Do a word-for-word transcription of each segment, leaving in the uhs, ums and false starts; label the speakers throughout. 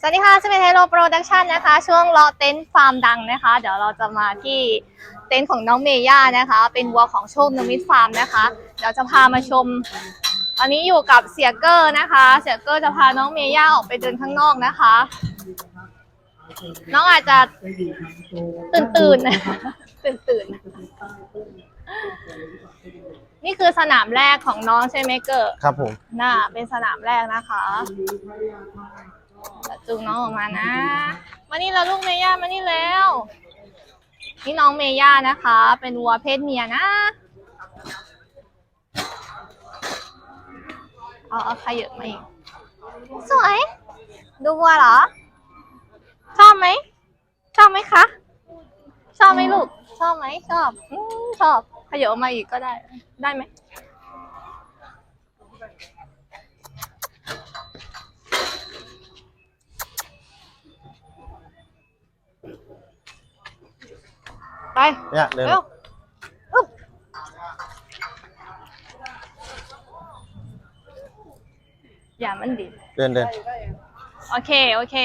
Speaker 1: วัสดีค่ะสมิธเฮโร่โปรดักชันนะคะช่วงรอเต็นท์ฟาร์มดังนะคะเดี๋ยวเราจะมาที่เต็นท์ของน้องเมย่านะคะเป็นวัวของโชคนมิตฟาร์มนะคะเดี๋ยวจะพามาชมตอนนี้อยู่กับเสียเกอร์นะคะเสียเกอร์จะพาน้องเมย่าออกไปเดินข้างนอกนะคะน้องอาจจะตื่นตื่นตื่นตื่นนี่คือสนามแรกของน้องใช่ไหมเกอร์
Speaker 2: ครับผม
Speaker 1: น่าเป็นสนามแรกนะคะจูงน้องออกมานะมานี่แล้วลูกเมย่ามานี่แล้วนี่น้องเมย่านะคะเป็นวัวเพศเมียนะเอาเอาขยับมาอีกสวยดูวัวเหรอชอบไหมชอบไหมคะชอบไหมลูกชอบไหมชอบอืมชอบขยับมาอีกก็ได้ได้ไหมไป
Speaker 2: เนี่ยเดิน
Speaker 1: อย่ามันดิ
Speaker 2: เดินเดิน
Speaker 1: โอเคโอเค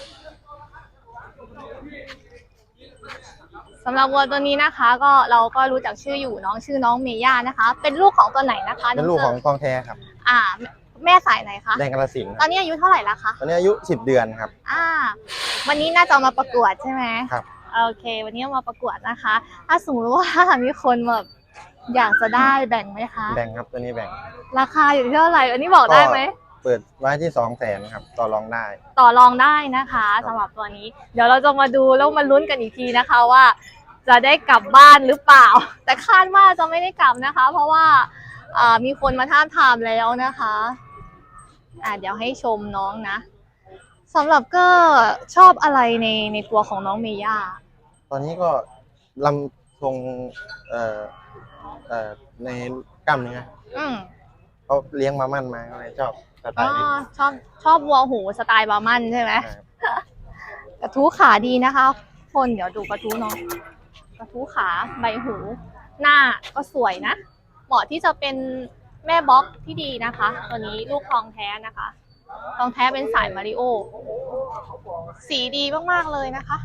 Speaker 1: สำหรับวัวตัวนี้นะคะก็เราก็รู้จักชื่ออยู่น้องชื่อน้องเมย่านะคะเป็นลูกของตัวไหนนะคะ
Speaker 2: เป็นลูกของทองแท้ครับ
Speaker 1: อ่าแม่สายไหนคะ
Speaker 2: แดงกระสิน
Speaker 1: ตอนนี้อายุเท่าไหร่แล้วคะ
Speaker 2: ตอนนี้อายุสิบเดือนครับ
Speaker 1: อ่าวันนี้น่าจะมาประกวดใช่ไหม
Speaker 2: ครับ
Speaker 1: โอเควันนี้มาประกวดนะคะถ้าสมมติว่ามีคนแบบอยากจะได้แบ่งไหมคะ
Speaker 2: แบ่งครับตัวนี้แบ่ง
Speaker 1: ราคาอยู่ที่เท่าไหร่อันนี้บอกได้ไหม
Speaker 2: เปิดไว้ที่สองแสนครับต่อรองได้
Speaker 1: ต่อรองได้นะคะสำหรับตัวนี้เดี๋ยวเราจะมาดูแล้วมาลุ้นกันอีกทีนะคะว่าจะได้กลับบ้านหรือเปล่าแต่คาดว่าจะไม่ได้กลับนะคะเพราะว่ามีคนมาท้าทามแล้วนะคะอ่าเดี๋ยวให้ชมน้องนะสำหรับก็ชอบอะไรในในตัวของน้องเมย่า
Speaker 2: ตอนนี้ก็ลำทรงเอ่อเอ่อในกล้ามเนื้อ
Speaker 1: อืม
Speaker 2: เขาเลี้ยงมามั่นมาก็เลยชอบสไตล์นี้
Speaker 1: ชอบชอบวัวหูสไตล์บาร์มันใช่ไหมกระทู้ขาดีนะคะคนเดี๋ยวดูกระทู้น้องกระทู้ขาใบหูหน้าก็สวยนะเหมาะที่จะเป็นแม่บ็อกที่ดีนะคะตัวนี้ลูกทองแท้นะคะทองแท้เป็นสายมาริโอสีดีมากๆเลยนะคะ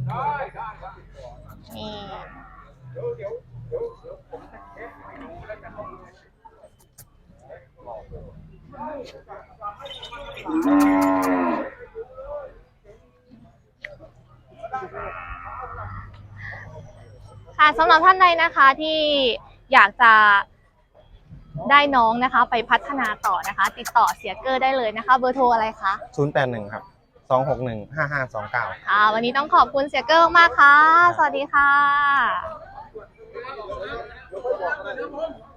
Speaker 1: นี่ค่ะสำหรับท่านใดนะคะที่อยากจะได้น้องนะคะไปพัฒนาต่อนะคะติดต่อเสียเกอร์ได้เลยนะคะเบอร์โทรอะไรคะ
Speaker 2: ศูนย์แปดหนึ่งครับสองหกหนึ่งห้าห้าสองเก้า
Speaker 1: ค่ะวันนี้ต้องขอบคุณเสียเกอร์มากค่ะสวัสดีค่ะ